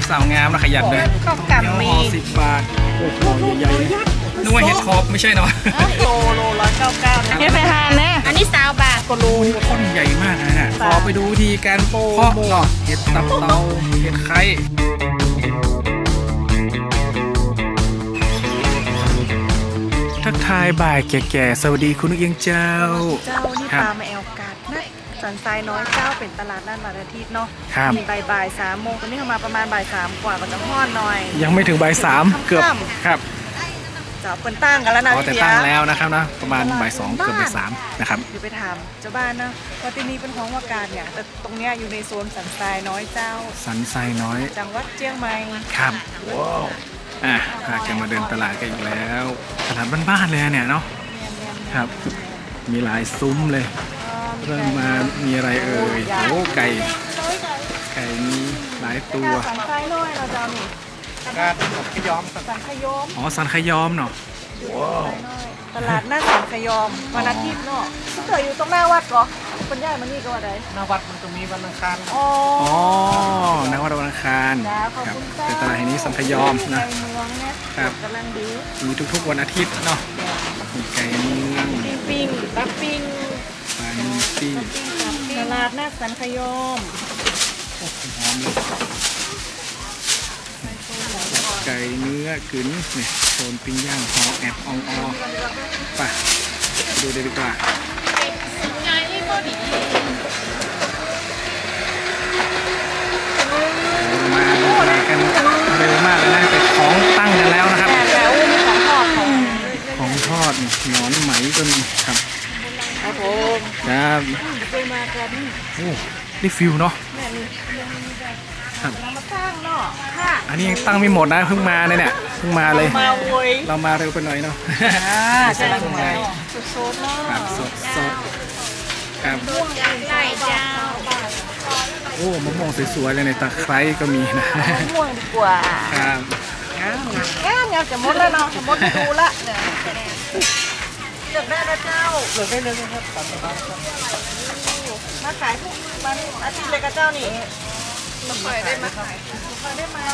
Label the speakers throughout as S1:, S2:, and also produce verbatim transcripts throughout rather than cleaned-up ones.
S1: กสาวงามนะขยันเลย
S2: ข้าวกำมี
S1: ห่อสิบบาทโอ้โหใหญ่ๆนึกว่าเห็ดคอบไม่ใช่เนาะ
S2: โลโลร้อยเก้าเก้าเฮ็ดไปทานแน่อันนี้สาวบาทก็โล
S1: ต้นใหญ่มากนะฮะขอไปดูวิธีการเพาะเนาะเห็ดตับเตาเห็ดไข่ทักทายบ่ายแก่ๆสวัสดีคุณนุกเอียงเจ้า
S2: เจ้านี่ปลามาแอลกัดนะสันทรายน้อยเจ้าเป็นตลาดนัดวันอาทิตย์เนาะมีบ่ายบ่ายสามโมงตอนนี้เข้ามาประมาณบ่ายสามกว่าก็จะทอดหน่อย
S1: ยังไม่ถึงบ่ายสามเกือบครับ
S2: จะเปิดตั้งกันแล้วนะ
S1: อ๋อแต่ตั้งแล้วนะครับนะประมาณบ่ายสองเกือบบ่ายสามนะครับ
S2: อยู่ไปถามเจ้าบ้านนะว่าที่นี่เป็นของว่าการเนี่ยแต่ตรงเนี้ยอยู่ในโซนสันทรายน้อยเจ้า
S1: สันทรายน้อย
S2: จังหวัดเชียงใหม่
S1: ครับว้าวอ่ะพากันมาเดินตลาดกันอีกแล้วตลาดบ้านๆเลยเนี่ยเนาะครับมีหลายซุ้มเลยเริ่มมามีอะไรเอ่ยโอ้ไก่ไก่มีหลายตัว
S2: สันทรายน้อยเราจะมี
S1: การขยอม
S2: สันขยม
S1: อ๋อสันขยอมเนาะว้าว
S2: ตลาดหน้าสันขยอมวันอาทิตย์เนาะที่เคยอยู่ตรงหน้าวัดเหรอคนย่ายมันนี่ก็ว่าได
S3: หน้าวัดมันจะมีวันอังคาร
S2: อ๋อ
S1: อ๋อนักวัดวันอังคารครับเป็นตลาดแห่งนี้สันขยอมนะ
S2: ไก่เมืองเนี่ย
S1: ครับ
S2: กำลังดี
S1: มีทุกๆวันอาทิตย์เนาะมีไก่เมือง
S2: ปิ้งปิ้งปักปิ้ง
S1: ปลานิลปิ้ง
S2: ตลาดหน้าสันขยอม
S1: หอมเลยไก่เนื้อกึ๋นเนี่ยโซนปิ้งย่างหอแอบอองออไปดูเลยดีกว่ามามากันเร็วมากเลยนะแต่ของตั้งกันแล้วนะครับ
S2: แต่แล้วมีของทอดของ
S1: ของทอดนี่หนอนไหมก็มีครับ
S2: ครับผม
S1: ครับ
S2: เคยมากันนี่
S1: โอ้ได้ฟิลเนาะ
S2: แม่นี่
S1: ครับ
S2: เรามาตั้งเนาะค่ะ
S1: อันนี้ยังตั้งไม่หมดนะเพิ่งมาเลยเนี่ยเพิ่งมาเลย
S2: มาโวย
S1: เรามาเร็วไปหน่อยเนาะ
S2: อ่าใช่ไหมสดๆเนาะ
S1: ครับสดสดครับ
S2: ม่วงไก่เจ้า
S1: โอ้มะม่วงสวยๆเลยในตะไคร้ก็มีนะ
S2: ม่วงดีกว่า
S1: ครับ
S2: งามงามงามจะหมดแล้วเนาะจะหมดดูละเลือกได้นะเจ้า
S3: เลือกได้เลยนะครับตามสบายครับ
S2: มาขายทุกวันอาทิตย์เลยกับเจ้านี่มาขายได้มาขายมาได้ไหม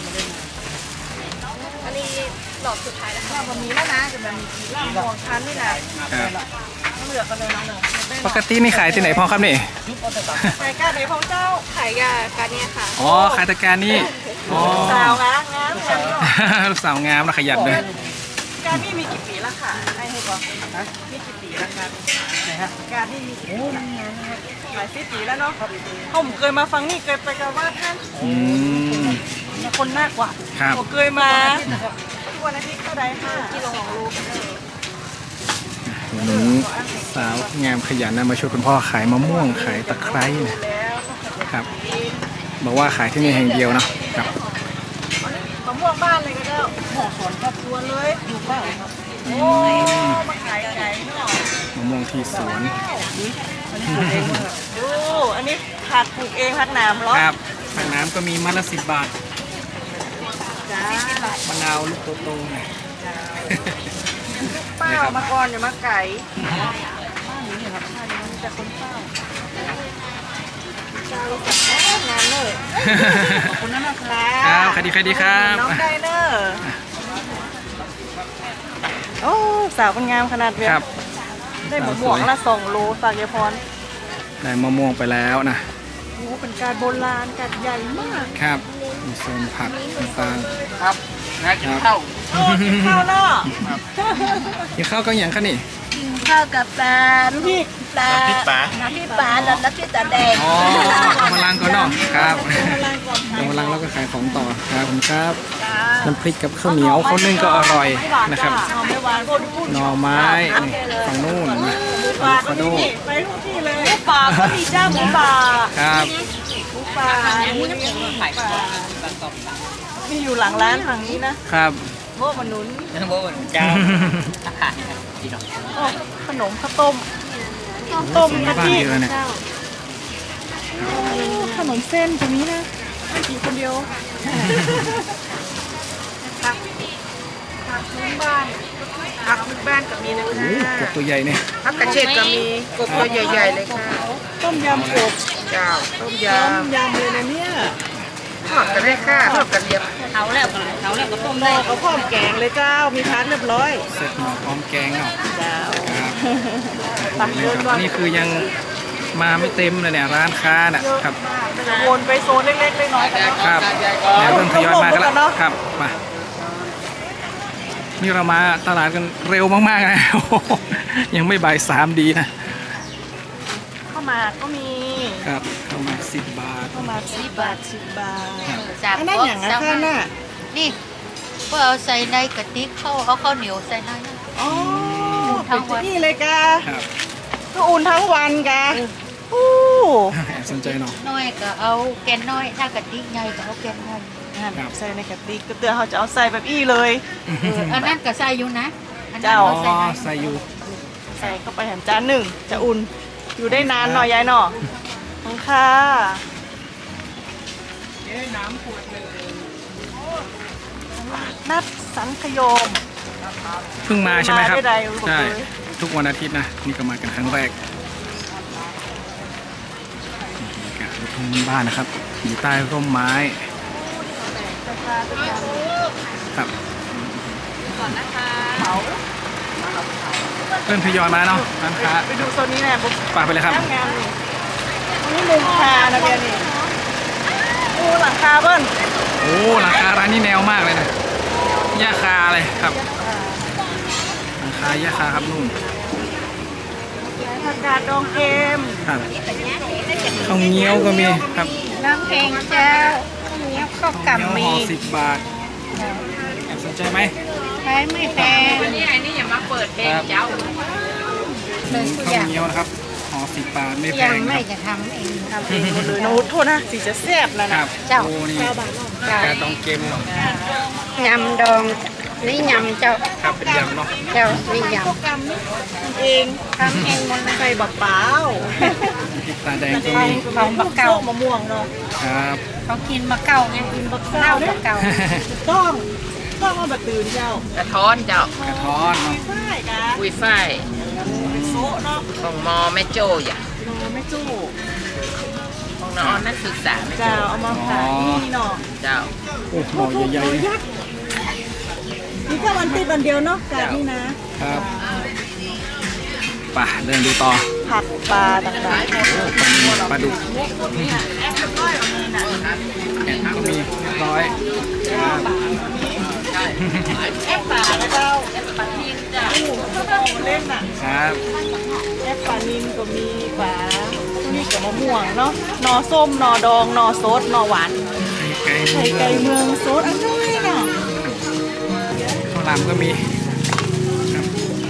S2: อันนี้หลอดสุดท้ายแล้วค่ะวันนี้แล้วนะจะแบบมีกี่ล่างมองคันนี่นะครับ ต้องเลือกกันเลยนะเนาะ
S1: ปกตินี่ขายที่ไหนพ่อครับนี่
S2: ขายการไหนของเจ้าขายยาการเนี่ยค่ะ
S1: อ๋อขายตะการนี่อ๋อ
S2: สาวงามงามงาม
S1: ลูกสาวงามนะขยันเลย
S2: การนี่มีกี่ปีแล้วค่ะให้ให้บอกมีกี่ปีแล้วกัน
S3: ไหนฮะ
S2: การนี่มีกี่ปีแล้วหลายสิบปีแล้วเนาะผมเคยมาฟังนี่เคยไปกับว่าท่าน
S1: อืม
S2: มีคนมากกว่า
S1: ครับ
S2: ผมเคยมาทุกวันอาทิตย์เท่าใดค่ะกิโลของลูก
S1: วันนี้สาวงามขยันนะมาช่วยคุณพ่อขายมะม่วงขายตะไคร้เนะ
S2: แล้ว
S1: ครับบอกว่าขายที่นี่แห่งเดียวเนาะครับ
S2: มะม่วงบ้านเลยก็ได้หอสวนครอบครัวเลยอยู่บ้านครับโอ้มาขายไก่เนาะ
S1: มะม่วงที่สวน
S2: ดูอันนี้ผักปลูกเองผักหนามเหรอ
S1: ครับผักน้ำก็มีมัดละสิบบาท
S2: จ้าม
S1: ะนาวลูกโตๆหน่อย
S2: เป้ามาก่อนอย่ามาไก่บ้านนี้เหรอครับบ้านนี้มีแต่คนเป้าเจ้าสักงานเลยขอบคุณนะครับ
S1: ครับใครดีใครดีครับ
S2: น้องไดเนอร์โอ้สาวคนงามขนาดเนี้ย
S1: ครับ
S2: ได้หมูหมวกละสองโลฝากยายพร
S1: ได้มะม่วงไปแล้วนะ
S2: โอ้เป็นการโบราณการใหญ่มาก
S1: ครับมีโซนผักต่าง
S3: ครับนะกินข้าว
S2: โอ้กินข้าวเนาะ
S1: ๆกินข้าวก็อย่างคะนี่
S4: ข้าวกับปลา
S2: น้ำพริก
S4: ปลา
S3: น้ำพริกปลา
S4: น้ำพริกปลาแล้วน้ำพริกตาแดง
S1: อ๋อมาลังก่อนเนาะครับ
S2: กำลังก่อน
S1: เดี๋ยวมาลังแล้วก็ขายของต่อครับผมครับน้ำพริกกับข้าวเหนียวข้าวนึ่งก็อร่อยนะครับ
S2: หอมไม่หวานคนพูด
S1: หน่อไม้นี่ฝั่งนู่นนะ
S2: ปลาก็มีไปทุกที่เลยหมูป่าก็มีจ้าหมูป่า
S1: ครับ
S2: หมูป่านี่ขายมีอยู่หลังร้านฝั่งนี้นะครับ โบมันหนุน
S3: น้ำโบนเจ้าอาหารดีเนาะ
S2: โอ้ขนมข้าวต้มข้าวต้ม
S1: ส่ง
S2: กะ
S1: บ้าน
S2: ทิ
S1: เยอะเนี่ย
S2: ขนมเส้นตรงนี้นะไม่กินคนเดียวผักผักพื้นบ้านผักพื้นบ้านก็มีนะ
S1: โอ้
S2: คะ
S1: โหกบตัวใหญ่เนี่ย
S4: ผักกระเฉดก็มีกบตัวใหญ่ๆเลยค่ะ
S2: ต้มยำกบ
S4: เจ้าต้มย
S2: ต้มยำเลยนะเนี่ย
S1: ค
S3: ทอดกันได้ค่ะทอดกันเรียบ
S4: เอาแล้วเอาแล้วก็ต้ม
S2: หม้
S4: ได้
S2: อก็พร้อมแกงเลยเจ้ามีพัดเรียบร้อย
S1: เสร็จหม้อพร้อมแกงเนาะ
S2: เจ้า
S1: ครับ
S2: ตักเดินก่อน
S1: นี่คือยังมาไม่เต็มเลยเนี่ยร้านค้าน่ะครับ
S2: จะวนไปโซนเล็กๆน้อยๆกันเนาะ
S1: ครับเนี่ยเริ่มทยอยมากันแล้วครับมานี่เรามาตลาดกันเร็วมากๆนะ โอ้โหยังไม่บ่ายสามดีนะ
S2: ข้าวหมากก็มี
S1: ครับข้าวหมากสิบบาท
S2: ข้าวหมากสิบบาทสิบบาท
S4: จาก
S2: อันนั้นอย่างนะข้าน่ะ
S4: นี่ก็เอาใส่ในกะติกเข้าเอาข้าวเหนียวใส่ในนั่น
S2: อ๋อ
S4: ทั้งวัน
S2: นี่เลยกะ
S1: ครับ
S2: ก็อุ่นทั้งวันกะอู้
S1: แอบสนใจเนาะ
S4: น้อยก็เอาแกนน้อยถ้ากะติกใหญ่ก็เอาแกนใหญ่
S2: นั่น
S1: ครับ
S2: ใส่ในกระติกก็เตือนเขาจะเอาใส่แบบอี้เลย
S4: เอออันนั้นก็ใส่อยู่นะอันนั้น
S2: เจ้า
S1: อ๋
S4: ก็
S1: อ
S4: ใส่ใน
S1: ใส่อยู่
S2: ใส่เข้าไปแถมจานหนึ่งจะอุ่นอยู่ได้นานหน่อยยายหน่อขอบคุณค่ะนัดสังขยม
S1: เพิ่งมาใช่ไหมครับ
S2: มาได้ใดบอกเลย
S1: ใช่ทุกวันอาทิตย์นะนี่ก็มากันครั้งแรกนี่ก็ลูกทุ่งบ้านนะครับอยู่ใต้ร่มไม้ครับ
S2: เผา
S1: เริ่มทยอยมาเนาะร้านค้า
S2: ไปดูโซนนี้แน่บุ๊ก
S1: ฝากไปเลยครับ
S2: งามงามนี่นี่มุมคานะเบียร์นี่โอ้หลังคาเบิ้ล
S1: โอ้ราคาร้านนี้แนวมากเลยนะย่าคาเลยครับราคาย่าคาครับนุ่ม
S2: ผักกาดดองเค็ม
S1: ครับข้าวเงี้ยวก็มีครับ
S4: น้ำแข็งเจ้าเนี้ยข้าว
S1: ข้าวเงี้ยว
S4: กำมี
S1: ห่อสิบบาทแอบสนใจไหม
S4: ใช้ไม่แพงนี่อันนี้อย่ามาเปิดเพลงเจ้าเลยทุกอ
S1: ข้าว
S4: ย่าง
S1: เงี้ยวนะครับห่อสิบบาทไม่แพ
S4: ยัง
S1: งค
S4: ไม่
S1: รับ
S4: จะทำเอง
S2: ทำเองหมดเลยนะโทษนะสีจะแซ่บนะ
S1: ค
S2: นะ
S1: รับ
S4: เจ้า
S1: โอ้นี่
S2: เก้าบาทเนาะ
S1: กาต้องเกมเนาะ
S4: ยำดองนี่ยำเจ้า
S1: ครับเป็นยำเนาะ
S4: เจ้านี่ย
S2: พวกกำนี่ทำเอง
S4: ำทำเองหมดเลย
S2: ใส่บักเปล่า
S1: พริกตาแดงก็
S4: ของ
S1: มี
S4: ของบักเก่า
S2: มะม่วงเนาะ
S1: ครับ
S4: เขากินมะเก่าไงกินบักเน่าบักเก่า
S2: ต้องต้องเอาแบบตื่นเจ้าก
S3: ระท้อนเจ้าก
S1: ระท้อนเนาะ
S2: ใช่กะ
S3: อุ้ยฝ้าย
S2: โซะเนาะ
S3: ของมอแม่โจ้อย่า
S2: โนไม่จู้
S3: ของน้องนักศึกษาแม่โจ้
S2: เจ้าเอามาขายนี่เนาะ
S3: เจ้า
S1: โอ้หม้อใหญ่ๆเลย
S2: นี่แค่วันติดวันเดียวเนาะกาดนี่นะครับ
S1: ไป่ะเดินดูต่อ
S2: ผัดปลาต่าง
S1: โอ้ปลานิลปลาดุก
S2: ๆแอปเปิ้ลก้อยก็มีนะ
S1: แอนก็มีเรียบร้อยครับ
S2: แอปปลาแล้วเจ้าแอปปลานินจ้ะโอ้โหเล่นอ่ะ
S1: ครับ
S2: แอปปลานินก็มีปลานี่กับมะม่วงเนาะหนอส้มหนอดองหนอซดหนอหวาน
S1: ไก่
S2: ไข่ไก่เมืองซดอันนี้เนาะ
S1: ข้าวหลามก็มีครับ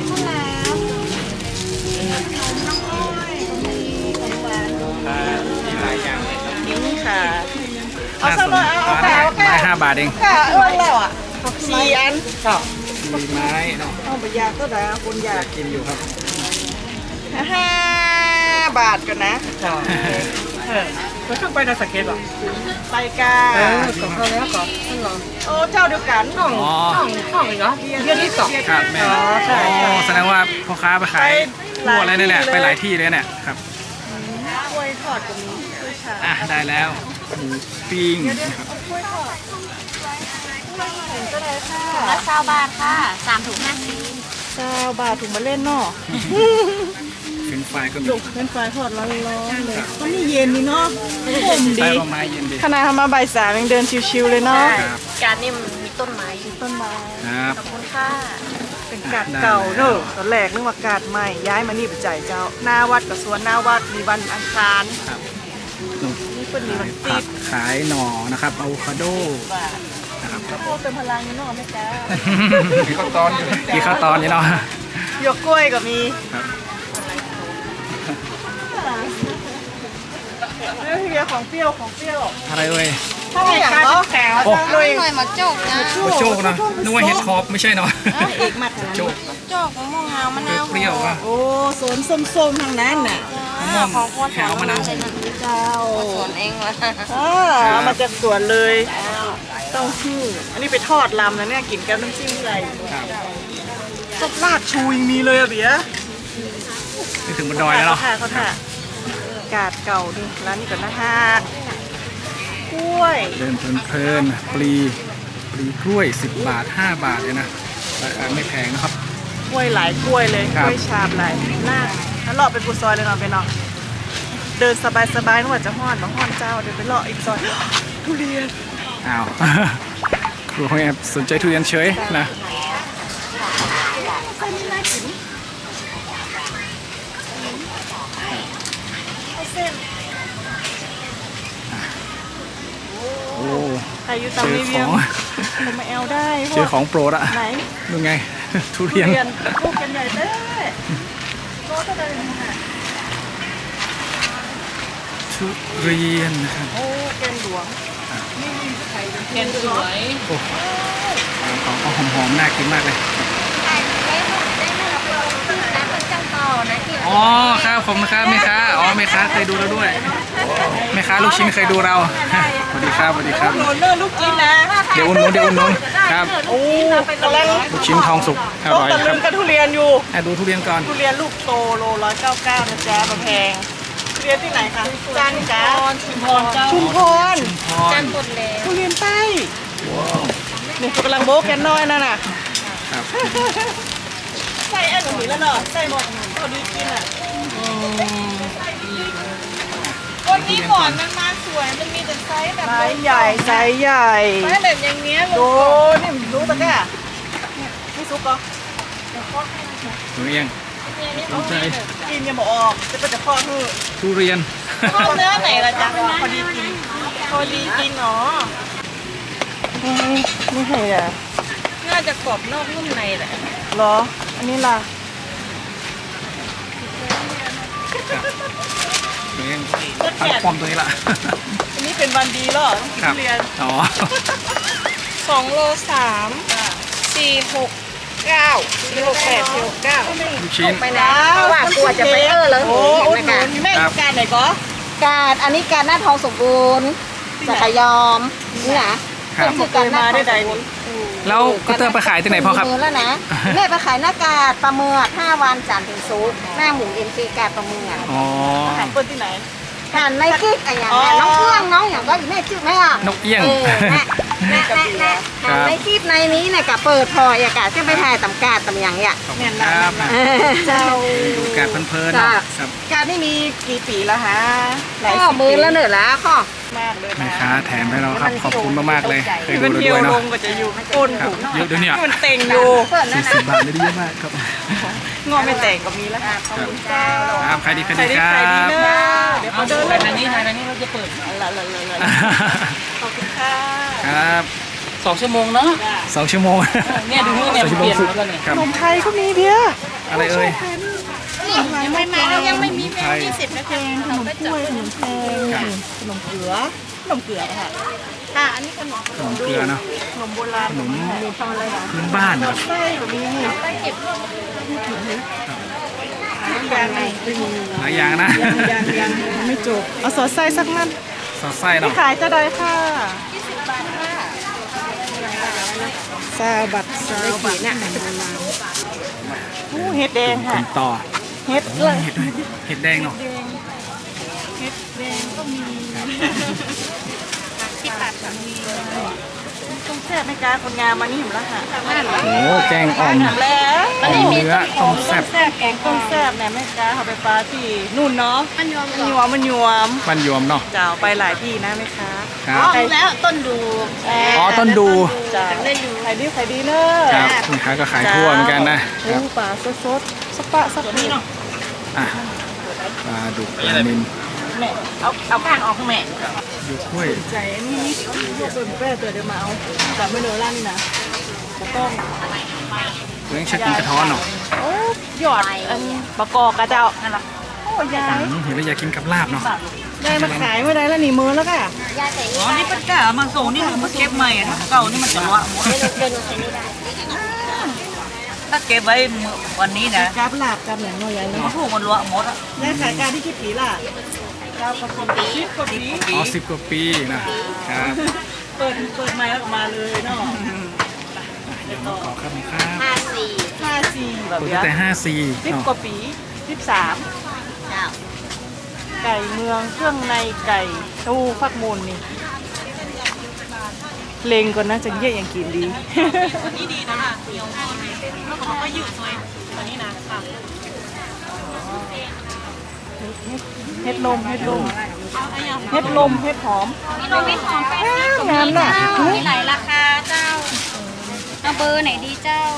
S1: มีหลายอย่างเลยครับ
S2: นี่ค่ะเอาสักหน่อยเอาเอา
S1: ไม้
S2: ค่ะเอาค่ะ
S1: ไม้ห้าบาทเอง
S2: ค่ะเอื้อนแล้วอ่ะสี่อันค่ะ
S1: มีไม้เนาะ
S2: เอาไปยาก็ได้คนอยาก
S1: กินอยู่ครับ
S2: ห้าบาทกันนะเออ
S3: ก็ต้องไปนาสเก็ตหรอ
S2: ไปกา
S3: เออก็เข้าแล้วก็นั่นเหรอ
S2: โอ้เจ้าเดียวกัน
S3: ห้อง
S1: อ๋อ
S3: ห้องห้องอีกเหรอเดือนที่สอง
S1: ครับแม่
S2: อ๋อใช่
S1: โอ้แสดงว่าพ่อค้าไปขาย
S2: ไปหลาย
S1: ทั่วเลยเนี่ย
S2: ที่เลย
S1: ไปหลายที่เลยเนี่ยครับ
S2: กล้วยทอดก็มีกล้วยฉาบ
S1: อ่ะได้แล้วหมูปิ้งนะครับ
S2: กล้วยทอดเห็นก็ได้ค่ะ
S4: ละเก้าบาทค่ะสามถุงห้าสิบ
S2: เก้าบาทถุงมาเล่นเนาะ
S1: เป็นไฟก็มี
S2: จุกเป็นไฟทอดร้อนๆเลยก็นี่เย็นนี่เนาะผม
S1: ใต้
S2: ดี
S1: ต้นไม้เย็นดี
S2: ขนาดทำมาบ่ายสามยังเดินชิวๆเลยเนาะ
S1: ครับ
S4: การนี่มันมีต้นไม้อยู่
S2: ต้นไม้
S1: ครับ
S4: ขอบคุณค่ะ
S2: เป็นกาดเก่าเนอะตอนแรกนึกว่ากาดใหม่ย้ายมานี่ไปจ่ายเจ้า หน้าวัดกับสวนหน้าวัดมีวันอังคาร
S1: ครับนู่น
S2: นี่เป็นมี
S1: ขา
S2: วั
S1: ย
S2: น
S1: ผั
S2: ติ
S1: ก
S2: ด
S1: ขายหน่อนะครับอะโวคาโดนะครับ
S2: ข้าวโพดเติมพลังอยู่เนาะแม่จ้า
S3: มีข้าวตอนอยู่
S1: มีข้าวตอนนี่เนาะ
S2: หยวกกล้วยก็มี
S1: ครับ
S2: เรื่องเฮียของเปรี้ยวของเปรี้ยว
S1: อะไรเอ่ย
S2: ถ้าไม่อยากเนาะแถว
S1: โอ้
S2: เลย
S4: หน่อยมาโจกนะ
S1: โอ้โจกนะนึกว่าเห็ดคอปไม่ใช่เนาะ
S2: เอกมัด
S1: โจก
S4: โจกมะม่วงงามมะนาว
S1: เปรี้ยวๆว่ะ
S2: โอ้สวนส้มๆทางนั้นน่ะ
S1: มะม่วง
S4: ของคน
S1: ขาวมะนาว
S2: เจ้า
S4: สวนเองละ
S2: อ่าเอามาจากสวนเลยเต้าหู้อันนี้ไปทอดลำนะเนี่ยกินกับน้ำจิ้มอะไร
S1: ครับ
S2: ซดลาดชูยังมีเลยอะเบียร์
S1: นี่ถึงบนดอยแล้วเนาะ
S2: เขาท่าเขาท่า กาดเก่าดิร้านนี้ก่อนนะฮะกล้วย
S1: เดินเพลินๆปลีปลีกล้วยสิบบาทห้าบาทเลยนะราคาไม่แพงนะครับ
S2: กล้วยหลายกล้วยเลย
S1: ค
S2: ก
S1: รับ
S2: ล้วยชาบหลายหน้าแล้วเลาะไปปูซอยเลยเนาะไปเนาะเดินสบายๆนึกว่าจะห้อนมาห้อนเจ้าเดินไปเลาะอีกซอยทุเรียน
S1: อ้าว ครูของแอบสนใจทุเรียนเฉยนะ
S2: ไส้นี่น่ากินเอาเส้น
S1: โอ้
S2: ใครอยู่
S1: เจ
S2: ตาม
S1: อ
S2: รี
S1: ข
S2: วิ
S1: อ
S2: ว
S1: ง
S2: ผมมาแอลได้
S1: เจอของโปรดอะ
S2: ไหน
S1: ดูไง ทุ
S2: ทุ
S1: เรียน
S2: เรียนลูกกันใหญ่เด้โลเท่าไหร่เนี่ย
S1: ทุเรียนนะครับ
S2: โอ้แกนหลวง
S4: เห็นสวย
S1: โอ้ของเอาหอมๆน่ากินมากเลยอ๋อครับผมนะครับแม่ค้าอ๋อแม่ค้าเคยดูเราด้วยแม่ค้าลูกชิ้นเคยดูเราสวัสดีครับสวัสดีครับ
S2: โรลเลอร์ลูกกินนะ
S1: เดี๋ยวอุ่นนุนเดี๋ยวอุ่นนุนครับ
S2: โอ้กำลัง
S1: ลูกชิ้นทองสุกอ
S2: ต้อง
S1: ร่อย
S2: ตะ
S1: ค
S2: ลึ
S1: รับ
S2: งกับทุเรียนอยู่
S1: อ่ะดูทุเรียนก่อน
S2: ทุเรียนลูกโตโลร้อยเก้าเก้านะจ๊ะมาแพงทุเรียนที่ไหนคะจันทร์จ้า
S4: ชุมพรเจ้า
S2: ชุมพร
S1: พร
S4: จันหมดแล้ว
S2: ทุเรียนใต้นี่กำลังโบ๊กแกนน้อยนั่นน่ะ
S1: ครับ
S2: ใส่อันนี้แล้วเนาะใส่หมดพอดีกินอ่ะ
S4: วันนี้หมอนมันมาสวย มันมีแต่ไซส์แบบ
S2: ไซส์ใหญ่ไซส์ใหญ่
S4: ไซส์แบบอย่างเงี้ย
S2: ดู
S4: ลูก
S2: นี่รู้ปะเนี่ยนี่ซุปก็
S1: ทุเรียนสนใจ
S2: กินยังบอกออกจะเป็นจะพ่อคือ
S1: ทุเรียน
S4: ชอบเนื้อไหนล่ะจ๊ะ
S2: พอดีกินพอดีกินเนาะไม่ใช่อ่ะ
S4: น่าจะกรอบนอกนุ่มในแหละ
S2: เหรอ อันนี้ล่ะ
S1: ทุเรียนตั้งป้อมตัวนี้ละ
S2: อันนี้เป็นวันดีเหรอต้องกิน
S1: ครับ
S2: ทุเรียน
S1: อ๋อ
S4: สองโลสามสี่หกเก้าสี่หกแปดสี่หกเก้า
S1: ลูกชิ้น
S4: ไปแล้วว่ากลัวจะไปเออแล้ว
S2: โอ้
S4: ห
S2: อุด
S4: นู
S2: หนุ
S4: นะ
S2: นแม่อยู่การไหนก็
S5: การอันนี้การหน้าทองสมบูรณ์จักรยอมนี่นะครับ
S2: ผมเคยมาได้ใดนี่
S1: แล้วก็เตอร์ไปขายที่ไหนพ่อครับ
S5: มือแล้วนะแม่ไปขายหน้ากาดปลาเมือกห้าวันจันทร์ถึงศุกร์หน้าหมูเอ็มซีกาดปลาเมือก
S1: อ๋อ
S2: อาหารเปิ้ลที่ไหน
S5: ทานในกิ๊กอะไรอย่างเงี้ยน้องเฟื่องน้องอย่างก็อยู่แม่จื้อไหมอ่ะ
S1: นกเอี้ยง
S5: เออแม่แม่แม่แม่ทานในกิ๊กในนี้เนี่ยกะเปิดพอยากาศจะไปถ่ายตำกาดตำอย่างเงี้ย
S1: ขอบคุณครับ
S5: เออ
S2: เจ้า
S1: ดูการเพลินๆเนาะครับ
S2: การนี่มีกี่ปีแล้วฮะหลาย
S5: ก็
S2: สิบ
S5: มือ
S2: ปี
S5: ละเหนือละข้อ
S2: มากเลย
S1: แม่
S2: นะ
S1: ค้าแถมให้เราครับ ขอบคุณมากๆเลย เคยดู
S2: มัน
S1: เรา
S2: เที่ย
S1: ด้
S2: ว
S1: วย
S2: ล
S1: เนาะ
S2: งก็จะอยู่ก้น
S1: ครับ
S2: ถุง
S1: เยอะด้วยเนี่ย
S2: มันเต็งอยู่
S5: เปิด
S1: สี่
S5: นะ
S1: สิบบาทไม่ได้เยอะมากครับ
S2: งอไม่แต่งก็มีแล้วค่ะขอบคุณเจ้า
S1: ครับใครดีใคร
S2: ใคร
S1: ดี
S2: ดี
S1: ครั
S2: ใครดี
S1: บ
S2: เนอะเดี๋ยวเขาเดิน
S3: ไป
S2: เลย
S3: ทางนี้ทางนี้เราจะเปิด
S2: ละละละละขอบคุณค่ะ
S1: ครับ
S3: สองชั่วโมงเนาะ
S1: สองชั่วโมง
S3: เนี่ยดูเนี่ยมันเปลี่ยนแล้วก็เนี่ย
S1: ครับ
S2: ขนมไทยก็มีเบียร์
S1: อะไรเอ่ย
S4: ยังไม่มายังไม่มีแม
S1: ไท
S4: วย ยี่สิบนะ
S2: แพงขนมกล้วยขนมแพงขนมเกลือขนมเกลือค่ะ
S4: ค่ะอันนี้ขนม
S1: ขนมเกลือเนาะ
S2: ขนมโบราณ
S1: ขนม
S2: มีทำอะไรนะ
S1: พื้นบ้านนะครับ
S2: ไส้ก็มีนี่
S4: ไปเก็บ
S2: ยังไง
S1: หลายอย่างนะ
S2: ยังยังยังไม่จบเอาสอดไส้สักนั่น
S1: สอดไส้
S2: ที่
S1: เนาะ
S2: ขายจะได้ค่ะซาบัตซาบัตเนี่ยโอ้เห็ดแดง
S1: คุ
S2: ค่ะ
S1: ณต่อ
S2: เห็ด
S1: โอ้
S2: ด้วย
S1: เห็ดด้วยเห็ดแดงเนาะ
S2: เห็ดแดงก็มี
S4: ที่ตัดค่ะ
S2: ต้องแซ่บไหมคะคนงามมานี่เห็นแล้วค่ะ
S1: โอ้แกงอ่อม
S2: ถามแล้ว
S1: อ่อมเนื้อต้มแซ่บ
S2: แซ่บแกงต้มแซ่บเนี่ยแม่ค้าเขาไปปลาที่นู่นเนาะ
S4: มันยอม
S2: มันยวมมันยวม
S1: บ้านยวมเนาะ
S2: เจ้าไปหลายที่นะแม่ค้า
S1: ครับ
S4: อ๋อแล้วต้นดู
S1: อ๋อต้นดู
S2: เจ้า
S4: ได้อยู่
S2: ขายดีขายดีเนอะ
S1: ครับแม่ค้าก็ขายทั่วเหมือนกันนะค
S2: โอ้
S1: รับ
S2: ปลาสดสดๆสปะสักนิด
S1: อ่ะปลาดุกปลานิล
S2: แม่เอาเอาก้างออกข้างแม่
S1: อยู่กล้วย
S2: ใจอันนี้นี่เปิดแป้เตือนเดี๋ยวมาเอาแต่ไม่เหลือร้านนี่นะจะต้อง
S1: เลี้ยงชักกินกระท้อนเนาะ
S2: โอ้หยอดอันประกอบกระเจ้านั่นแหละโอ้ยาย
S1: อืมเห็นแล้วอยากกินกับลาบเนาะ
S2: ยายมาขายเมื่อไรแล้วหนีมือแล้วก็
S3: อ๋อนี่เป็นกะมาส่งนี่คือมาเก็บใหม่อะถ้าเก่านี่มันจะละหมดถ้าเก็บไว้วันนี้นะ
S2: กราบลาบกับอย่างน้อยยาย
S3: มัน
S2: เนาะ
S3: พูดมันละหมดอ่ะ
S2: ยายขายการที่กี่ปีล่ะเก้าปีสิบกว่าปี
S1: อ๋อสิบกว่าปีนะครับ
S2: เปิดเปิดไม้แล้วออกมาเลยเนาะ
S1: เดี๋ยวมาขอครับครับ
S5: ห้าสี่
S2: ห้าสี่แบบ
S1: เปิด
S2: เนี้
S1: ตั้
S2: ย
S1: งแต่ห้าสี่
S2: สิบ
S1: เนาะ
S2: กว่าปีสิบสาม
S5: เจ้า
S2: ไก่เมืองเครื่องในไก่ตู้ฟักมูลนี่เลงก่อนนะจังเยี่ยอย่างกินดี
S3: นี่ดีนะค่ะเหนียวแล้วเขาก็ยืดเลยตัวนี้นะค่ะ
S2: เฮ็ดลมเฮ็ดลมเฮ็ดลมเฮ็ดหอม
S5: มีโรบินหอมแปดสิบ
S2: งามน่ะ
S5: มีหลายราคาเจ้าเอาเบอร์ไหนดีเจ้า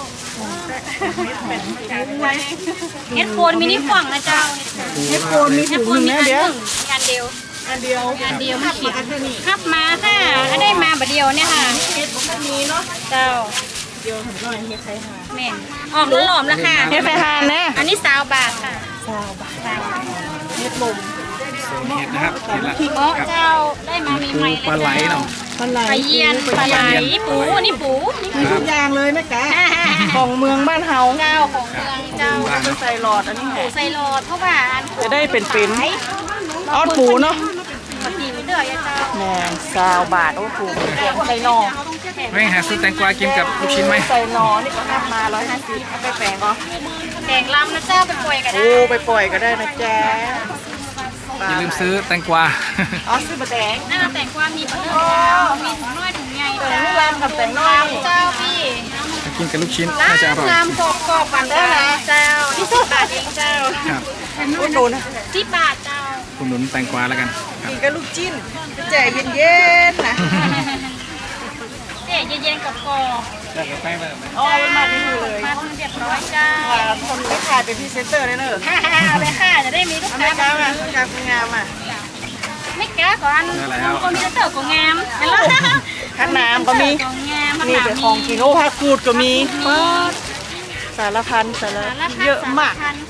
S5: เฮ็ดโคนมินิฝั่งนะเจ้า
S2: เฮ็ดโคนมีถุงหนึงนะเดี๋ยว
S5: งานเดียว
S2: อันเดียว
S5: งานเดียวไม่ขีดขับมาค่ะอันได้มาบัดเดียวเนี่ยค่ะ
S2: เฮ็ดบ่มีเนาะ
S5: เจ้า
S2: เดียวทำน้อยเฮ็ดไทยหา
S5: แม่นออกหลอมๆแล้วค่ะ
S2: เฮ็ดไทยหาแน่
S5: อันนี้สาวบาทค่ะ
S2: สาวบาทเฮ็ดลม
S1: โซนเห็ดนะครับเห็ดละ
S5: เพราะเจ้าได้มา
S1: ปู
S5: ใหม่ๆ
S1: ปลาไหลเนาะ
S2: ปลาไหล
S5: ปลาเยียนปลาไหลปูอันนี้ปู
S2: มีทุกอย่างเลยแม่กะของเมืองบ้านเฮา
S5: เจ้าของเมืองเจ้า
S1: บ้าน
S2: จะ
S1: เนาะ
S2: ใส่หลอดอันนี้แห
S5: ปู
S2: ละ
S5: ใส่โลดเพราะว่าอัน
S2: จะได้เป็นๆออดปูเนาะ
S5: ปกติไม่เดือดเจ้า
S2: แม่สาวบาทโอ้ปูใส่หนอ
S1: ไม่หาซื้อแตงกวากินกับลูกชิ้นไหม
S2: ใส่หนอนี่ก็ทำมาร้อยห้าสิบเอาไปแปลงก็
S5: แกงลำนะเจ้าไปป่วยกันได้
S2: โอ้ไปปล่อยก็ได้นะจ๊ะ
S1: อย่าลืมซื้อแตงกวา
S2: อ๋อซื้อมาแดง
S5: นั่นเราแต่งความมีเปลือกมีถุงน้อยถุงใหญ่
S2: แต่
S5: เจ้า
S2: นี่ลำกับแต่งน้อย
S5: เจ้าพี่
S1: ถ้ากินกับลูกชิ้นน่าจะอร่อย
S5: ลำกรอบกรอบกันได้นะเจ้านี่สิบบาทเองเจ้า
S1: ครับ
S2: โอ้โดนนะ
S5: สิบบาทเจ้า
S1: คุณหนุนแตงกวาแล้วกันครับ
S2: กินกับลูกจิ้นแจกเย็นๆนะ
S5: เอ๊ะเย็นๆกับกรอบ
S2: อ๋อมันมาที่นี่เลย
S5: มาทำเรียบร้อยเจ้า
S2: คนไม่ขายเป็นพรีเซนเตอร์เลยเนอะ
S5: เอาไปค่ะจะได้มีลูก
S2: เอา
S5: ค้า
S2: ไม่กล้ามาไม่กล้าคุณงามอ่ะ
S5: ไม่กล้าก่อนคนมีเต๋อก็งามเห็นไหม
S2: ข้างน้ำก็มี
S5: ก็งาม
S2: นี่เป็นของกินโอ้ผักกูดก็มีเปิดสารพันสารเยอะมาก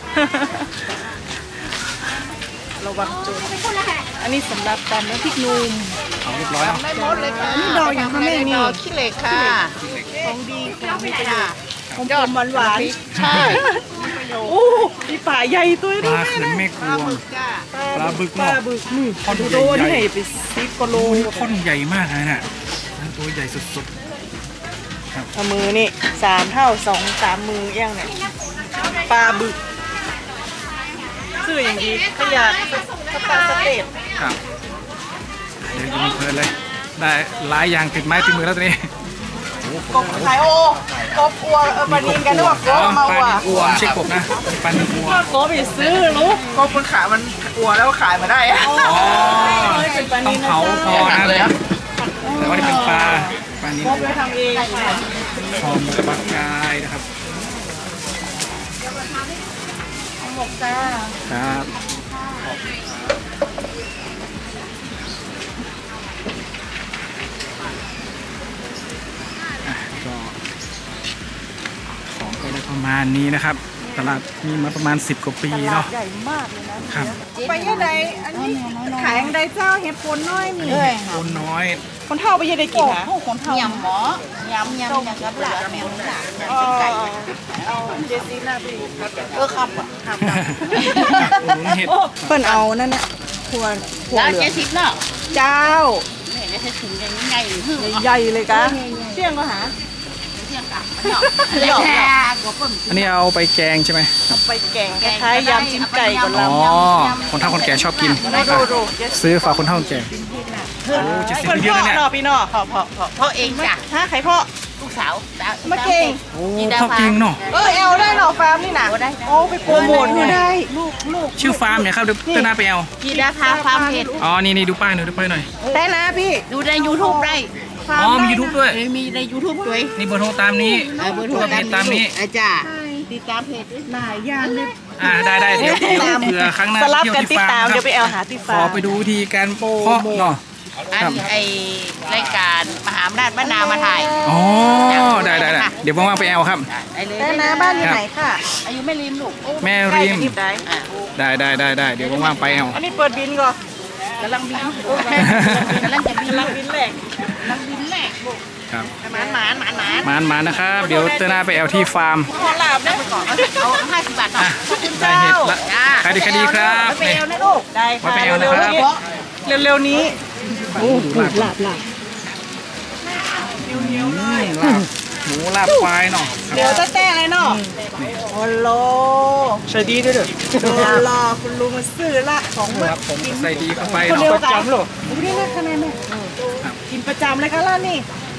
S2: ระวังโจรอันนี้สำหรับตำน้ำพริกหนุ่ม
S1: เอาเรียบร้อยเอา
S2: นี่ดอกอย่างค่ะแม่นี่ขี้เหล็กค่ะของดีของมีประโยชน์ของผมหวานหวานใช่โอ้มีป่าใหญ่ตัว
S1: ป
S2: นี้
S1: ลาเขือนแม่กวง ปลาบึก
S2: ปลา
S1: เนาะ
S2: บึกนี่
S1: ท่อน
S2: ดู
S1: ใหญ่
S2: โด
S1: ๆ
S2: นี่ให้ไปสิบกิโล
S1: โอ้ท่อนใหญ่มากเลยน่ะตัวใหญ่สุด
S2: เอามือนี่สามเท่าสองสามมือเอี้ยงเนี่ยปลาบึกชื่ออย่างดีขยะสตาร์สเตท
S1: ๆครับเดี๋ยวกินเพลินเลย ได้หลายอย่างติดไม้ติดมือแล้วตอนนี้
S2: กบขายโอกบอัวเออปลานินกันด้วยว่ากบมา
S1: ปลา
S2: ว่ะ
S1: นินอัวไม่ใช่กบนะปลานินอัว
S2: กบไปซื้อรู้กบมันขายมันอัวแล้วขายมาได้อะ
S1: อ๋อต้องเผาพอนะแต่ว่านี่เป็นปลาปลานิน
S2: กบไปทำเองค่ะ
S1: หอมกระบักกายนะครับ
S2: หมกจ้า
S1: ครับอ่ะก็ของก็ได้ประมาณนี้นะครับ ตลาดมีมาประมาณสิบกว่าปี
S2: ตลา
S1: เนาะ
S2: ดใหญ่มากเลยนะครับ ไปยังไงอันนี้ขายยังไงเจ้าเห็ดโคนน้อยนี่
S1: คนน้อย
S2: คนเท่าไปยังได้กินนะ
S3: คนเท่ายำหมอยำยำยำกับหลาแมวหลา
S2: เอาเอาเจสซี่หน้าพี่
S3: เออครับอ่ะ
S1: โอ้โหเห็ด
S2: เปิ้นเอานั่นน่ะหัวหัว
S3: แล้ว
S2: เหลื
S3: เจ๊
S2: อง
S3: ทิพย์เนาะ
S2: เจ้า
S3: เนี่ยจะใช้ถุงยังไงหรือหึ่ง
S2: ใหญ่ๆเลยกะเที่ยงก็หา
S3: เที่ยงกับมันเนาะหยอกหยอกหัวปุ่ม
S1: อันนี้เอาไปแกงใช่ไหมครับ
S2: ไปแกงคล้ายๆยำจิ้มไก่ก่อน
S1: อ๋
S2: เรา
S1: อ คนเฒ่าคนแก่ชอบกิน
S2: ได้ดูดูเจส
S1: ซื้อฝากคนเฒ่าคนแก่โอ้เจ็ดสิบ
S2: เปิ้น
S1: เยอะ
S2: พ่อ
S1: เลยเนี่ย
S2: เนาะพี่เนาะพ่อพ่อพ่อ
S3: เพราะเองจ้ะ
S2: ฮะใครพ่อ
S3: ลูกสาว
S2: มาเก่ง
S1: โอ้พ่อเก่งเนาะ
S2: เออเอลได้เนาะฟาร์มนี่นะโอ้ไปโปรโมทให้ได้ลูกลูก
S1: ชื่อฟาร์มเนี่ยครับเดี๋ยวเต้นหน้าไปเอา
S3: กีดาพาฟาร์มเพจ
S1: อ๋อ นี่นี่ดูป้ายหน่อยดูป้ายหน่อย
S2: ได้นะพี่
S3: ดูใน YouTube ได้
S1: อ๋อ มียูทูบด้วย
S3: เอ้ยมีใน YouTube ด้วย
S1: นี่เบอร์โทรตามนี้
S3: เออเบอร์โทร
S1: เพจตามนี้
S3: อาจารย์ติดตามเพจ
S2: หลายอย่างเลย
S1: อ่า ได้ได้เดี๋ยวเดี๋ยวเผื่อครั้งหน้า
S2: สลับ
S1: เที่ยว
S2: กัน
S1: ที่
S2: ติด
S1: ฟา
S2: ตาม
S1: ร์ม
S2: เดี๋ยวไป
S1: ค
S2: แอ
S1: รับ
S2: ลหาที่
S1: ข
S2: ฟา
S1: อ
S2: ร์ม
S1: ไปดูวิธีการเพาะเนาะ
S3: อัน
S1: ครับ
S3: ไอรายการมหาอำนาจบ้านนามาถ่าย
S1: อ๋อ ได้ได้ได้เดี๋ยวว่างๆไปเอาครับ
S3: ได้เลย
S2: ได้นะบ้านอยู่ไหนค่ะ
S3: อายุไม่ริมลูก
S1: แม่
S2: ใกล้
S1: ริม
S2: กันที่ไหน
S3: อ่ะ
S1: ได้ได้ได้ได้เดี๋ยวว่างๆไปเอา
S2: อันนี้เปิดบินก่อน
S3: กำลังบินกำลังจะบิน
S2: กำลังบินแหลก
S3: กำลังบินแหละ
S1: ครับ
S2: หมานหมานหมานหมาน
S1: มานมานะครับ เดี๋ยวเต้นหน้าไปเอาที่ฟาร์ม
S2: ขอลาบนะ
S3: ก่อนเอาห้าสิบบาทหน่อย
S1: ได้เห็ดละขายดีขายดีครับ
S2: ไป
S1: นี่
S2: เอลนะลูกได้
S1: ไว้
S2: ค่ะ
S1: ไปเอลนะ
S2: เร็ว
S1: ครับ
S2: ๆนี้เร็วๆนี้โอ้หลาบหลาบหลาบ
S1: อืมลาบหมูลาบควายเนาะ
S2: เดี๋ยวจะแต่เลยเนาะโอ้โหสวัสดีด้วยเด้อโอ้โหคุณลุงมาซื้อละของ
S1: ค
S2: มา
S1: รับผมใส่ดีเข้าไป
S2: คน
S1: เนาะ
S2: เดียวกันโอ้ยนี่นะคะแม่แม่กินประจำเลยค่ะล่ะนี่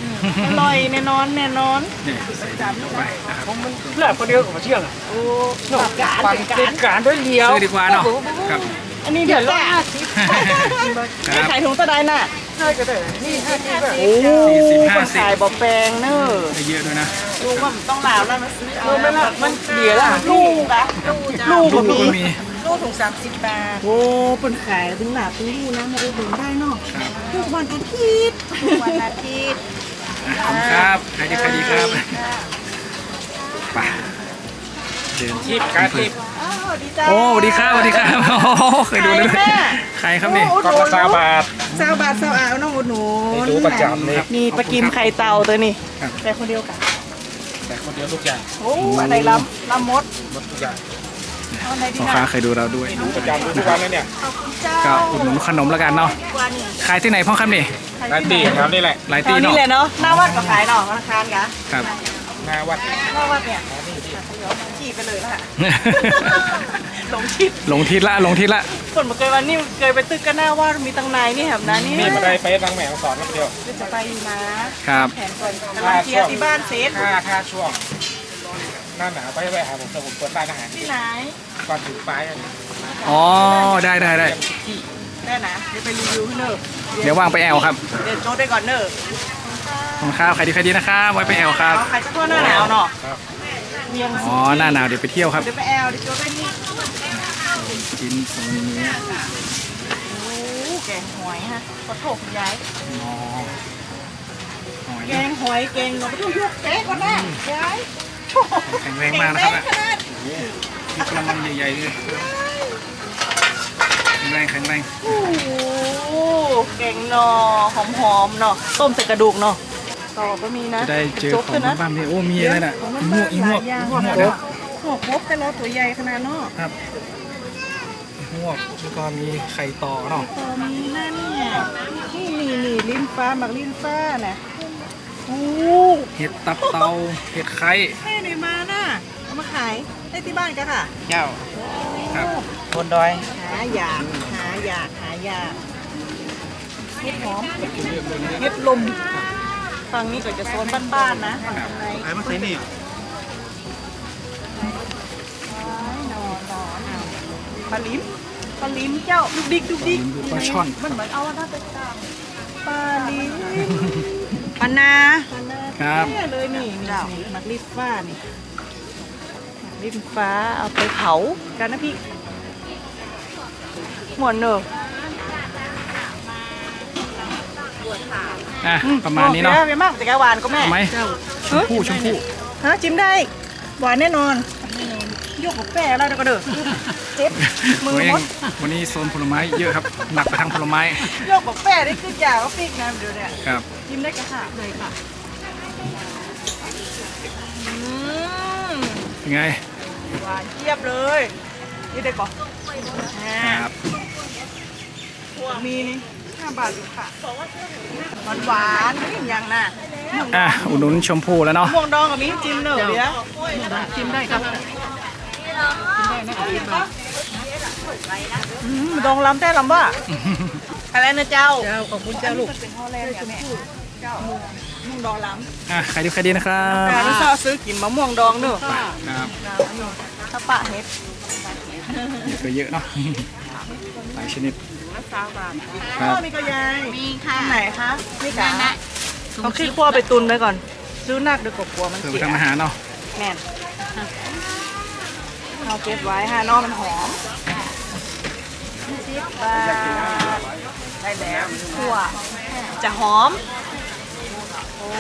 S2: อร่อยแน่นอนแน่นอน
S1: เนี่ยใส่ดินลงไปนะครับ
S6: เลือกคนเดียวกับมาเที่ยงอ่ะ
S2: โอ้ตับการ
S6: ปั่น
S2: ตับ
S6: เป็
S2: กาน ร
S6: การด้วยเลี้ยว
S1: ซื้อดีกว่าเนาะครับ
S2: อันนี้เดี๋ยวร้อยห้าสิบ
S1: ค
S2: ไม่
S1: รับ
S2: ขายถุงตะไดน่ะ
S6: ใช่ก็ได้นี่ห้าสิบแบบ
S2: โอ้
S1: สี่สิบห้า
S2: คน
S1: สิบ
S2: ขายบอกแปลงเนอะ
S1: ได้เยอะด้วยนะ
S2: ลูกว่ามันต้องลาวแล้วมาซื้อเอา
S6: มันละมันเดียวละ
S2: ลูกอะลูก
S1: ลู
S2: ก็
S1: ก
S2: มี
S1: ก็มี
S2: ลูกถุงสามสิบบาท โอ้เป็นขายถึงหนาถึงลูกนะมาอุดหนุนได้เนาะ
S1: ครับ
S2: ทุกวันอาทิตย์ทุกวันอาทิตย์
S1: อ่ะขอบคุณครับใครดีใครดีครับไปเดิน
S6: ทิพการทิพ
S2: อ้าวดีจ้า
S1: โอ้สวัสดีครับสวัสดีครับโอ้โหเคยดูเลย
S2: ใครแม่
S1: ใครครับนี่
S6: กล่องละสามบาท
S2: เจ้าบาทเจ้าอ่าวน้องอุดหนุน
S6: นี่ดูประจำเลย
S2: มีปลากิมไข่เต่าตัวนี้
S1: ครับ
S2: แต่คนเดียวกัน
S6: แต่คนเดียวทุกอย่าง
S2: โอ้อะไรล้ำล้ำมด
S6: หมดทุกอย่าง
S2: เอาอะไรดี
S1: พ่อ
S2: นะ
S1: ค้าเคยดูเราด้วย
S6: ดูประจำดูทุกวันเลยเนี่ย
S2: เจ้า
S1: ก็อุดหนุนขนมแล้วกันเนาะขายที่ไหนพ่อครับนี่
S6: ร้านตีครับนี่แหละ
S1: หลาย
S2: แถ
S1: ตี
S2: วนี้
S1: เนาะ
S2: เลยเนาะหน้าวัดก็ขายเนาะธนาคารกะ
S1: ครับ
S6: หน้าวัด
S2: หน้าวัดเนี่ยขี่ไปเลยละค่ะหลงทิศ
S1: หลงทิศละหลงทิศละ
S2: คนมาเคยวันนี้เคยไปตึกกันหน้าว่ามีตังนายนี่แหบนะนี่
S6: นี่มาได้ไปทางแหม่ของสอนนักเดียว
S2: จะไปอยู่นะครับ แผนก่อนกำลังเคลียร์ที่บ้านเซต
S6: ค่าค่าช่วงหน้าหนาวไปไปหาผมแต่ผมเปิดร้านอาหาร
S2: ที่ไหน
S6: ก่อนถึงปลายอันนี้
S1: อ๋อได้ได้ได้
S2: ได้นะเดี๋ยวไปรีวิวให้เนอะ
S1: เดี๋ยวว่างไปแอลครับ
S2: เดี๋ยวโจ้ได้ก่อนเนอะ
S1: ขอบคุณครับใครดีใครดีนะครับไว้ไปแอลครับ
S2: เอาใครจะทั่วหน้าหนาวเนาะเมียง
S1: อ๋อหน้าหนาวเดี๋ยวไปเที่ยวครับ
S2: เดี๋ยวไปแอลเดี๋ยวโจ้ได้นี่
S1: ชิ้นส่วนเนื้อ
S2: โอ้แกงหอยฮะขอโทษคุณยาย
S1: อ๋อหอย
S2: แกงหอยแกงเนาะไปดูยกแกงก่อนนะยาย
S1: แข็งแรงมากนะครับ
S2: แกงแรงขนาด
S1: มีกระมังใหญ่ๆเลยแข็งแรงแข็งแรง
S2: โอ้โหแกงหนอหอมๆเนาะต้มใส่กระดูกเนาะต่อก็มีนะ
S1: จะได้เจอ
S2: โจ๊ก
S1: ขอ
S2: ด้วย
S1: ง
S2: นะ
S1: บ้านๆนี่โอ้มีอะไรน่ะอีหมวกอีหมวก
S2: หลายอย่าง
S1: อีหมวก
S2: เน
S1: เด้อ
S2: อะหมวกมบแต่ละตัวใหญ่ขนาดเนาะ
S1: ครับอีหมวกแล้วก็มีไข่ต่อเนาะ
S2: ตัวนี้นั่นเนี่ยนี่นี่นี่ลิ้นฟ้าหมักลิ้นฟ้าน่ะโอ้
S1: เห็ดตับเตาเห็ดไข่
S2: แม่ไหนมาน่ะเอามาขายได้ที่บ้านกันค่ะ
S6: เจ้า
S1: ครับ
S6: บนดอย
S2: หาอยากหาอยากหาอยากเห็ดหอมเห็ดลมฝั่งนี้ก็จะโซนบ้านๆนะฝั่งใน
S6: ไอ้มาใส่นี่
S2: นอนนอนปลาลิ้มปลาลิ้มเจ้าดุกดิกดุกดิก
S1: ดูปลาช่อน
S2: มันเหมือนเอาหน้าไปตามปลาลิ้มปลานา
S1: ครับ
S2: เนี่ยเลยนี่นี่นี่หมักลิ้นฟ้านี่หมักลิ้นฟ้าเอาไปเผากันนะพี่หมวนเนอะ
S1: อ่ะประมาณนี้เนาะ
S2: โอคไปมากแต่กหวานก็แม่
S1: เอาไหมชมพู่ชมพู่
S2: ฮะจิ้มได้หวานแน่นอนยกกับแป้แล้วเดี๋ยวก็เด้อเจ็บมือ
S1: ตัวเอ
S2: ม
S1: ง
S2: ด
S1: วันนี้โซนผลไม้เยอะครับหนักไปทางผลไม้
S2: ยกกับแป้ได้ขึ้นยาก็ปีกนะเดี๋ยวเนี่ย
S1: ครับ
S2: จิ้มได้กระค่ะเลยค่ะอืม
S1: เป็นไง
S2: หวานเทียบเลยนี่ได้ก่อน
S1: ครับ
S2: มีนี่ห้าบาทอยู่ค่ะหวานหวานๆนี่อย่างน่ะ
S1: อ่ะอุดหนุนชมพู่แล้วเนาะ
S2: ม่วงดองกับมีจิ้มเนอะเดี๋ยว
S6: ชิมได้ครับ
S2: อืมดองล้ำแต่ล้ำว่าอะไรนะเจ้า
S6: เจ้าขอบคุณเจ้าลูก
S2: เป็นห่อแรกเนี่ยแม่เจ้าม่วงดองล้ำ
S1: อ่ะใครดีใครดีนะครับ
S2: การที่ชอบซื้อกินมะม่วงดองเนอะ
S1: ครับ
S2: ถ้าปะเฮ็ด
S1: เยอะก็เยอะเนาะหลายชนิด
S2: สามบาท
S1: ครับ
S2: มีก็ยาย
S5: มีค่ะ
S2: ไหนคะนี่กะต้องขี้คั่วไปตุนไปก่อนซื้อนักเดี๋ยวกลัวมัน
S1: เพื่อ
S2: เสี
S1: ไป
S2: ย
S1: ทำอาหารเนาะ
S2: แม่นเอาเก็บไว้ฮะนอกมันหอมสิบบาทได้แล้วคั่วจะหอมโอ้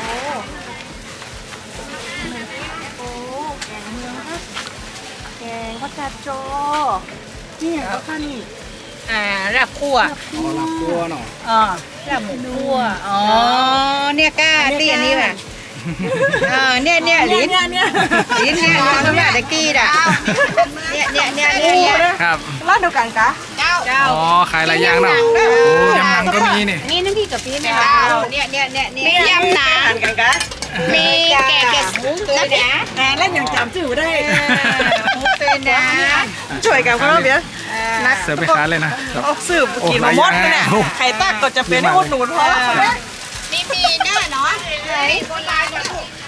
S2: โอ้แกงเมืองนะแกงข้าวจัดโจนี่อย่างก็ค่ะนี่
S3: อ่ารับคั่ว
S1: อ๋อลาบตัวเนาะ
S3: อ๋อรับหมูคั่วอ๋อเนี่ยก้าตีอันนี้ป่ะอ่าเนี่ยเนี่ยลิ้น
S2: เนี่ยเนี่ย
S3: ลิ้นเนี่ยเราเนี่ยตะกี้อ่ะเนี่ยเนี่ยเนี่ยเนี่ยเนี่ย
S1: ครับ
S2: ร้านเดียวกันกะ
S3: เจ้าเจ้า
S1: อ๋อขายหลายอย่างเนาะโอ้ยำมังก็มีนี่
S5: นี่น้ำพริกกะปิเนี่ย
S3: เจ้าเนี่ยเนี่ยเนี่ยเนี่ย
S5: มียำหนา
S2: ทานกันกะ
S5: มีแกงแกงหมูตัวนะ
S2: แหงเล่นอย่างจำจื่อได้
S3: หมูตัวนะ
S2: ช่วยกันก็แล้วเบียนัก
S1: เสิร์ฟไปค้าเลยนะครับ
S2: ออกสืบกินมามดเนี่ยไข่ตักก็จะเป็นอุดหนุนเพราะ
S5: มีปีหน้าเนาะ
S2: เ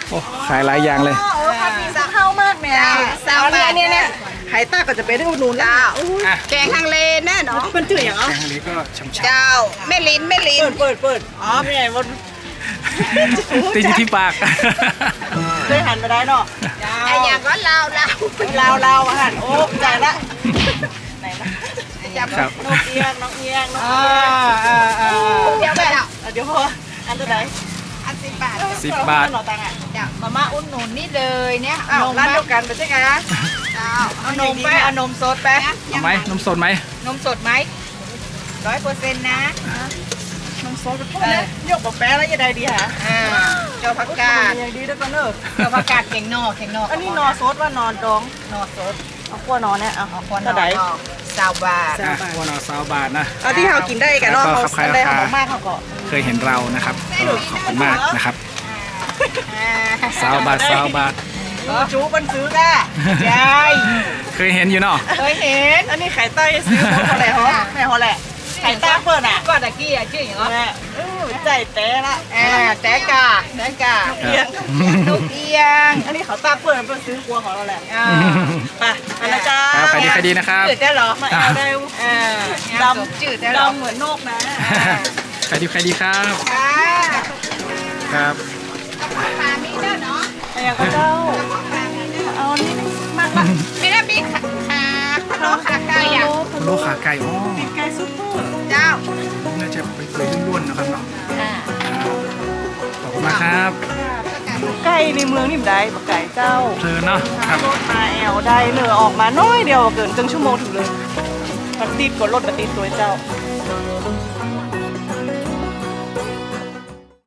S1: โอ้ขายหลายอย่างเลย
S2: เออผัดหมี่สามเท่ามากแม่
S3: สามบาท
S2: เนี่ยเนี่ยไข่ต้าก็จะเป็นได้อุดหนุนแล้ว
S1: อ่ะ
S3: แกงฮังเลแน่เนาะ
S2: มันจืดอย่าง
S1: แก
S2: อ่ะ
S1: งอันนี้ก็ช่ำ
S3: เจ้าแม่ลิ้นแม่ลิ้น
S2: เปิดเปิดเปิดอ๋อไม่ใหญ่บน
S1: ๆติดอยู่ที่ปาก
S2: ได้หันมาได้เนาะ
S3: ไอ้อย่างก็ลาวลาว
S2: ลาวลาวอาหารโอ้ใจละไหนนะ
S1: ครับ
S2: น้องเอียงน้องเอียงน้อง
S3: อ่า
S2: เอียง
S3: อ่าอ่าเดี๋ยวไปแล้ว
S2: อ่ะเดี๋ยวพออันตัวไหน
S3: อันสิบบาท
S1: สิบบาท
S2: หน่อตังอ่ะ
S3: จ้ะมาม่าอุ่นหนุนนี่เลยเนี่ย
S2: อ้าว
S3: นม
S2: ร้าน
S3: มา
S2: เดียวกันไปใช่ไหม
S3: เจ้าเอานมไปเอานมสดไป
S1: เอาไหมนมสดไหม
S3: นมสดไหมร้อยเปอร์เซ็นต์นะ
S2: น้ำซอสไปพ่อเนี่ยยกกับแป้แล้วยังไงดีฮะ
S3: อ่าเจ้าผักกาด
S2: ยังดีด้วยกันเนอะ
S3: เจ้าผักกาดเข่งนอกเข่งนอก
S2: อันนี้นอซดว่านอนดอง
S3: นอสด
S2: เอาขั้วนอนเนี่ยเอา
S3: เอาควนน
S2: เท่า
S3: อ
S2: ไหร่
S3: สาวบาท
S1: อ่ะวันละสามบาทนะ
S2: เอาที่เรากินได้กันเนาะ
S1: แล้วก็
S2: เขา
S1: ขายราคา
S2: ได้ของมากเขาก็
S1: เคยเห็นเรานะครับก็ขอบคุณมากนะครับ
S3: อ่า
S1: สามบาทสามบาท
S2: จูบันซื้อก้า
S3: ใช่
S1: เคยเห็นอยู่เนาะ
S3: เคยเห็น
S2: อันนี้ไข่ใต้ซื้อของเขาแหละเหรอแม่เขาแหละไข่ใต้เปิดอ่ะ
S3: ก็ตะกี้อ่ะชื่ออย่างไร
S2: แม่เออใจแต้ละ
S3: อ่าแตกาแตกา
S2: เอียง
S3: ลูกเอียง
S2: อันนี้เขาตาเปิดมันเป็นซื้อครัวของเราแหละ
S3: อ่า
S2: ไปอันนะจ๊ะ
S1: ครับใครดีใครดีนะครับ
S3: จืดได้เหรอ
S2: มาเอาได้
S3: อ่า
S2: ด
S3: ดำจืดได้
S2: ำ
S3: เหรอ
S2: ดำเหมือนนกนะ
S1: ใครดีใครดีครับ
S3: ค่ะ
S1: ครับ
S3: ปลามีด้วยเนาะ
S2: ไอ้ยังก็เจ้าเอานี่มากละ
S3: มีน้ำมีขาขาขนมขาไก่อ่ะ
S1: โลขาไก่อ๋อ
S2: ไก่ซุปเปอร์
S3: เจ้า
S1: น่าจะไปเปื่อยๆล้วนๆนะครับเนาะ
S3: อ่า
S1: ขอบคุณมากครับ
S2: ไก่ในเมืองนี่มันได้ปะไก่เจ้า
S1: เพลินเนาะครับ
S2: รถมาแอลได้เหนือออกมาน้อยเดียวเกินครึ่งชั่วโมงถึงเลยมันติดกดรถมาติดตัวเจ้า
S3: อ